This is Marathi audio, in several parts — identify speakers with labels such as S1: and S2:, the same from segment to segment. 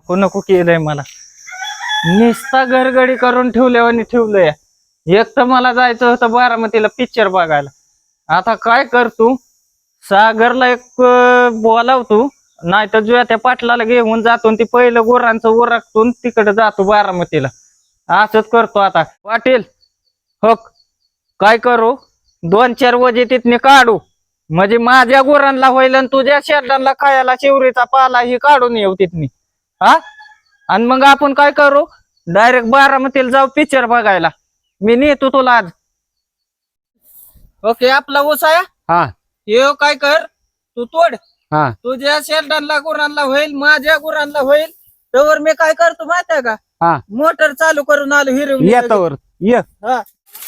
S1: नको नको केलंय मला. निस्ता घरगडी करून ठेवल्यावानी ठेवलंय. एक तर मला जायचं होतं बारामतीला पिक्चर बघायला. आता काय करतो, सागरला एक बोलावतो, नाही तर जुया त्या पाटलाला घेऊन जातो ती पहिलं गोरांचं ओरखतो तिकडे जातो बारामतीला. असंच करतो आता. पाटील हो काय करू, 2-4 वजे तिथने काढू म्हणजे माझ्या गुरांना होईल आणि तुझ्या शेरडांना खायला शिवरीचा पाला ही काढून येऊ तिथनी. हा आणि मग आपण काय करू, डायरेक्ट बारामतीला जाऊ पिक्चर बघायला. मी नेतो तुला आज. ओके आपला ऊस आहे.
S2: हा
S1: ये काय कर, तू तोड.
S2: हा
S1: तुझ्या शेरडांना गुरांना होईल, माझ्या गुरांना होईल. तर मी काय करतो माहिती आहे का,
S2: हा
S1: मोटर चालू करून आलो हिरवली.
S2: येतावर ये.
S1: हा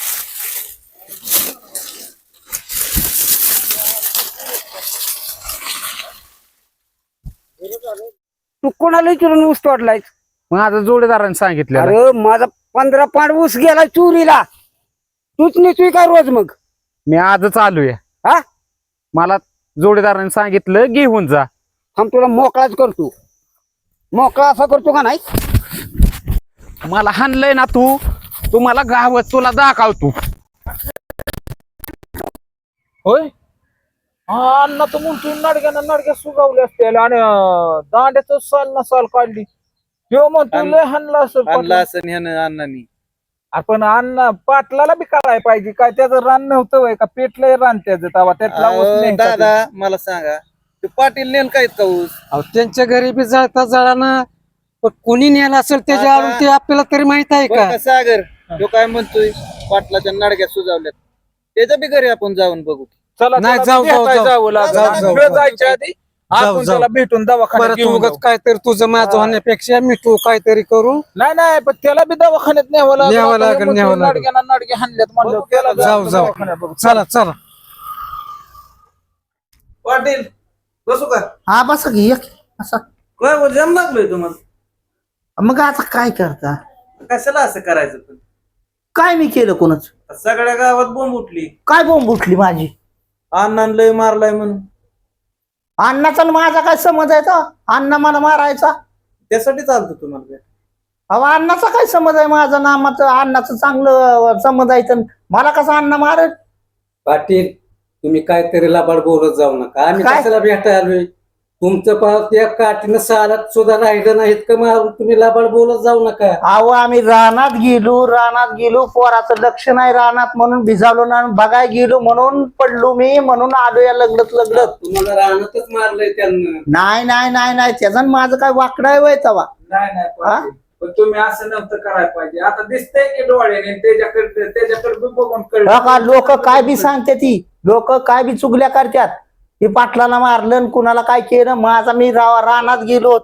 S3: तू कोणाला विचारून ऊस तोडलाय?
S2: माझा जोडीदाराने सांगितलं.
S3: अरे माझा 15 पांड ऊस गेला चोरीला. तूच नेतोय का रोज मग?
S2: मी आजच आलोय.
S3: हा
S2: मला जोडीदाराने सांगितलं घेऊन जा.
S3: हम तुला मोकळाच करतो. मोकळा असा करतो का नाही?
S2: मला हाणलंय ना तू, तुम्हाला गावात तुला दाखवतो.
S1: होय. हा अण्णा तर म्हणतो नडक्या सुगावले असते आणि दांड्याच साल ना साल काढली. तो म्हणतो लय हाणला असं
S4: अण्णांनी.
S1: आपण अण्णा पाटलाला बी काढायला पाहिजे. काय त्याचं रान नव्हतं वय का, पेटलंय रान त्याचं तवा त्यातला ऊस नाही का
S4: दादा मला सांगा, ते पाटील नेल काय का ऊस?
S5: अहो त्यांच्या घरी बी जळता जळाना, पण कोणी नेला असेल त्याच्या
S4: आता-
S5: आरून ते आपल्याला तरी माहित आहे
S4: बरं
S5: का?
S4: का सागर, तो काय म्हणतोय पाटलाच्या नडक्या सुजावल्यात, त्याच्या बी घरी आपण जाऊन बघू.
S1: चला
S5: नाही,
S1: चला,
S5: जाऊ, जाऊ,
S1: भेटायला
S5: जाऊ.
S1: जावं लागेल.
S5: जाऊ,
S1: आणि
S5: जाऊ,
S1: वेळ
S5: जाऊ.
S1: जायच्या आधी आपण
S5: जाऊ.
S1: त्याला भेटून दवाखान्यात
S5: परत
S1: घेऊन
S5: उगाच
S1: जाऊ.
S5: काहीतरी तुझं माझं होण्यापेक्षा मी तू काहीतरी करू.
S1: नाही पण त्याला बी दवाखान्यात न्यावं लागेल.
S5: न्यावं
S1: आता
S5: लागेल,
S1: म्हणतो
S5: न्यावं लागेल.
S1: नडक्या हाणल्यात म्हणलं त्याला बी
S5: जाऊ,
S1: आपण
S5: जाऊ.
S1: दवाखान्यात बघू.
S5: चला चला.
S4: पाटील बसू का?
S6: हा बस घे असं.
S4: काय जम लागलोय तुम्हाला?
S6: मग आता काय करता?
S4: कशाला असं करायचं? पण
S6: काय मी केलं कोणच?
S4: सगळ्या गावात बोंब उठली,
S6: काय बोंब उठली माझी?
S4: अण्णांना लय मारलाय म्हणून.
S6: अण्णाचा आणि माझा काय समज आहे तो? अण्णा मला मारायचा?
S4: त्यासाठी चालतो तुम्हाला.
S6: अहो अण्णाचा काय समज आहे माझा? नामाचं अण्णाचं चांगलं समज आहे तर मला कसं अण्णा मारेल?
S5: पाटील तुम्ही काहीतरी लबाड बोलत जाऊ नका. आम्ही
S6: काय?
S5: कशाला भेटायला आलोय? तुमचं पाव त्या काठीनं सालात सुद्धा राहिलं नाहीत का मारून तुम्ही लबाड बोलत जाऊ नका.
S6: अहो आम्ही रानात गेलो पोराचं लक्ष नाही रानात म्हणून भिजावलो ना, बघाय गेलो म्हणून पडलो मी, म्हणून आलो या लगडत.
S5: तुम्हाला रानातच मारलंय त्यांना.
S6: नाही त्याचा माझं काय वाकडं आहे वय तवा?
S1: नाही
S6: हा?
S1: पण तुम्ही असं नव्हतं करायला पाहिजे. आता दिसतंय की डोळ्याने त्याच्याकडे बी बघून
S6: लोक काय बी सांगते ती, लोक काय बी चुगल्या करतात. हे पाटलाला मारलं कुणाला काय केलं. माझा मी रानात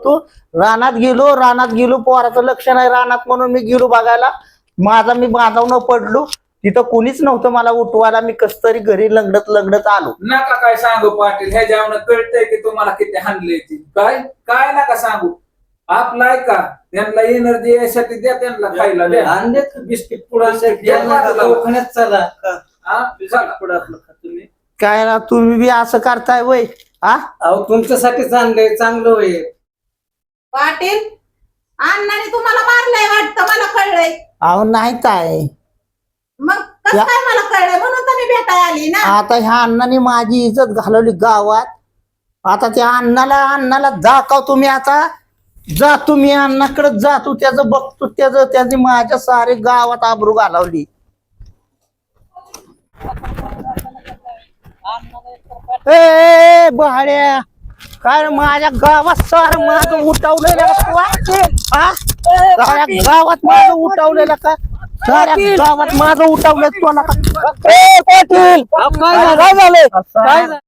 S6: गेलो पोराचं लक्ष नाही रानात म्हणून मी गेलो बघायला. मी बाजावून पडलो तिथं कुणीच नव्हतं मला उठवायला. मी कस तरी घरी लगडत आलो.
S1: नका काय सांगू पाटील, ह्या जेवण कळतंय की तुम्हाला किती हाणले. काय नका सांगू. आपला ऐका, त्यांना एनर्जी यासाठी द्या, त्यांना खायला द्या.
S5: आणलेत बिस्किट पुढे
S4: दवाखान्यात चला.
S1: हा? चला.
S4: पुढं आपलं खा तुम्ही.
S6: काय ना तुम्ही बी असं करताय वय? हा
S5: अहो तुमच्यासाठी चांगलंय, चांगलं होईल.
S7: पाटील अण्णाने तुम्हाला मारलंय वाटतं, मला कळलंय.
S6: अहो नाही काय,
S7: मग कसं काय मला कळलंय? म्हणून तर मी भेटायला आली ना.
S6: आता ह्या अण्णाने माझी इज्जत घालवली गावात. आता त्या अण्णाला दाखव तुम्ही. आता जा तुम्ही अण्णाकडे जातो, त्याचं बघतो, त्याची माझ्या सारे गावात आबरू घालवली. ए बहाड्या, काय माझ्या गावात सार माझं उठवलेलं गावात माझं उठवलेलं का? साऱ्या गावात माझं उठवलं तुला का? पाटील काय झालं?